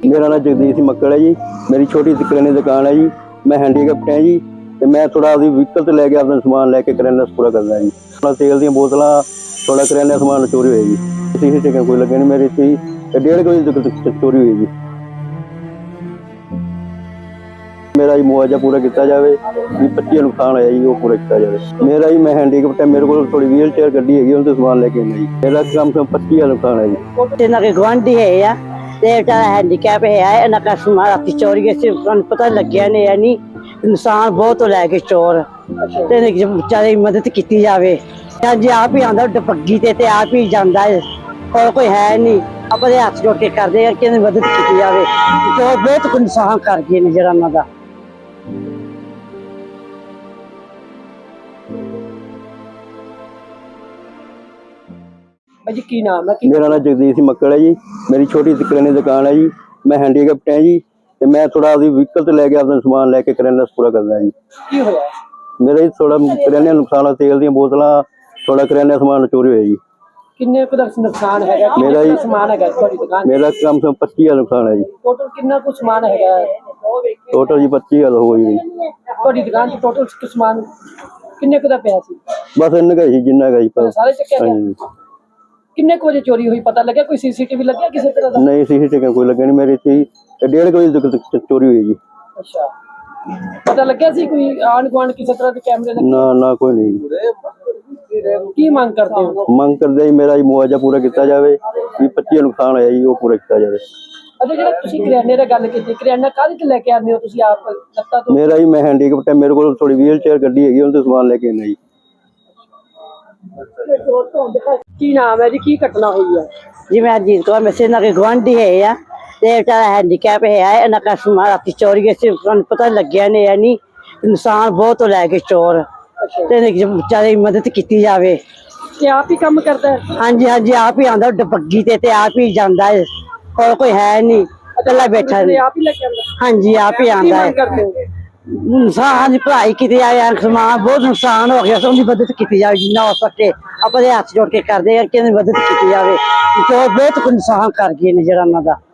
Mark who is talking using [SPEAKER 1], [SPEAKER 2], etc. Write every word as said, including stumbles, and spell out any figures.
[SPEAKER 1] मेरा नाम जगदीश मक्कड़ है जी। मेरी छोटी सी किराने की दुकान है जी। मैं हैंडीकैप्ट है जी। तो मैं थोड़ा व्हीकल से लैके अपना समान लैके किराने पूरा करना जी। थोड़ा तेल दी बोतल थोड़ा किराने समान चोरी हुई जी। सीसी टिक्का कोई लगे नहीं मेरी थी डेढ़ बजे तक चोरी हुई जी। मेरा जी मुआवजा पूरा किया जाए भी पच्ची नुकसान होया जी वो पूरा किया जाए। मेरा जी मैं हैंडीकैप्ट है, मेरे को थोड़ी व्हील चेयर गड्डी है उनसे समान लैके आना जी। मेरा कम से कम पच्ची नुकसान है जी।
[SPEAKER 2] इन्हों के गुआढ़ी है आ हैंडीकैप है, इन्हों का समान रात चोरी पता लग्या नहीं नहीं नुकसान बहुत लैके चोर बेचारे मदद की जाए। जी आप ही आंदा डपग्गी ते आप ही जाता है और कोई है नहीं अपने हाथ जोड़ के करते हैं कि मदद की जाए। चोर बहुत नुकसान कर गए ने जरा उन्हों का।
[SPEAKER 3] जी की नाम है?
[SPEAKER 1] मेरा नाम जगदीश मक्कड़ है जी। मेरी छोटी सी किराने की दुकान है जी। मैं हैंडीकैप्ट है जी। तो मैं थोड़ा व्हीकल से लैके अपना समान लैके किराना पूरा करना जी।
[SPEAKER 3] की होया?
[SPEAKER 1] मेरा जी थोड़ा किराने नुकसान तेल दी बोतल थोड़ा किराने समान चोरी हुई जी।
[SPEAKER 3] किन्ने कुछ नुकसान है?
[SPEAKER 1] मेरा जी
[SPEAKER 3] समान है दुकान
[SPEAKER 1] मेरा कम से कम पच्ची हजार नुकसान है जी।
[SPEAKER 3] टोटल कितना कुछ समान है?
[SPEAKER 1] टोटल जी पच्ची हजार हो गई
[SPEAKER 3] ਤੁਹਾਡੀ ਦੁਕਾਨ 'ਚ ਟੋਟਲ ਸਮਾਨ ਕਿੰਨੇ ਕੁ ਦਾ ਪਿਆ ਸੀ?
[SPEAKER 1] बस इन्ने का ही जिन्ना का ही पर
[SPEAKER 3] ਸਾਰੇ ਚੱਕਿਆ ਗਿਆ? ਕਿੰਨੇ ਕੁ ਵਜੇ ਚੋਰੀ ਹੋਈ ਪਤਾ ਲੱਗਿਆ? ਕੋਈ ਸੀਸੀਟੀਵੀ ਲੱਗਿਆ ਕਿਸੇ ਤਰ੍ਹਾਂ ਦਾ?
[SPEAKER 1] नहीं सीसी टिक्का कोई लगे नहीं मेरी थी डेढ़ बजे तक चोरी हुई जी।
[SPEAKER 3] ਅੱਛਾ ਪਤਾ ਲੱਗਿਆ ਸੀ ਕੋਈ ਆਣ ਗੁਆਂਢ ਕਿਸੇ ਤਰ੍ਹਾਂ ਦੇ ਕੈਮਰੇ ਲੱਗੇ?
[SPEAKER 1] ना ना कोई नहीं।
[SPEAKER 3] ਕੀ ਮੰਗ ਕਰਦੇ ਹੋ?
[SPEAKER 1] ਮੰਗ ਕਰਦੇ ਜੀ ਮੇਰਾ ਜੀ ਮੁਆਵਜ਼ਾ ਪੂਰਾ ਕੀਤਾ ਜਾਵੇ ਵੀ ਪੱਚੀ ਨੁਕਸਾਨ ਹੋਇਆ ਜੀ ਉਹ ਪੂਰਾ ਕੀਤਾ ਜਾਵੇ।
[SPEAKER 3] ਅੱਛਾ ਜਿਹੜਾ ਤੁਸੀਂ ਕਰਿਆਨੇ ਦੀ ਗੱਲ ਕੀਤੀ, ਕਰਿਆਨਾ ਕਾਹਦੇ ਤੇ ਲੈ ਕੇ ਆਉਂਦੇ ਹੋ ਤੁਸੀਂ ਆਪ ਲੱਤਾਂ ਤੋਂ?
[SPEAKER 1] ਮੇਰਾ ਜੀ ਮੈਂ ਹੈਂਡੀਕੈਪਟ ਹੈ, ਮੇਰੇ ਕੋਲ ਥੋੜੀ ਵੀਲ ਚੇਅਰ ਗੱਡੀ ਹੈਗੀ ਉਹਦੇ ਸਮਾਨ ਲੈ ਕੇ ਆਉਣਾ ਜੀ।
[SPEAKER 3] ਕੀ ਨਾਮ ਹੈ ਜੀ? ਕੀ ਘਟਨਾ ਹੋਈ ਹੈ?
[SPEAKER 2] जी मैं अजीत कौर वैसे इन्हों के गुआढ़ी है आ बेचारा हैंडीकैप है, इन्हों का समान रात चोरी पता लग्या नहीं नहीं नुकसान बहुत लैके चोर बेचारे मदद की जाए।
[SPEAKER 3] ਕਿ ਆਪ ਹੀ ਕੰਮ ਕਰਦਾ ਹੈ?
[SPEAKER 2] हाँ जी हाँ जी आप ही आंदा डपग्गी ते आप ही जाता है और कोई है नहीं कला बैठा
[SPEAKER 3] ਆਪਣੇ ਆਪ ਹੀ ਲੈ ਕੇ ਆਉਂਦਾ?
[SPEAKER 2] हाँ जी आप ही
[SPEAKER 3] ਕੀ
[SPEAKER 2] आंदा
[SPEAKER 3] ਮੰਗ
[SPEAKER 2] है।
[SPEAKER 3] ਕਰਦੇ ਹੋ?
[SPEAKER 2] नुकसान पढ़ाई की जाए, समान बहुत नुकसान हो गया, उसकी मदद की जाए जिन्ना हो सके अपने हाथ जोड़ के करते हैं कि मदद की जाए। चोर बहुत नुकसान कर गए ने जरा उन्हों का।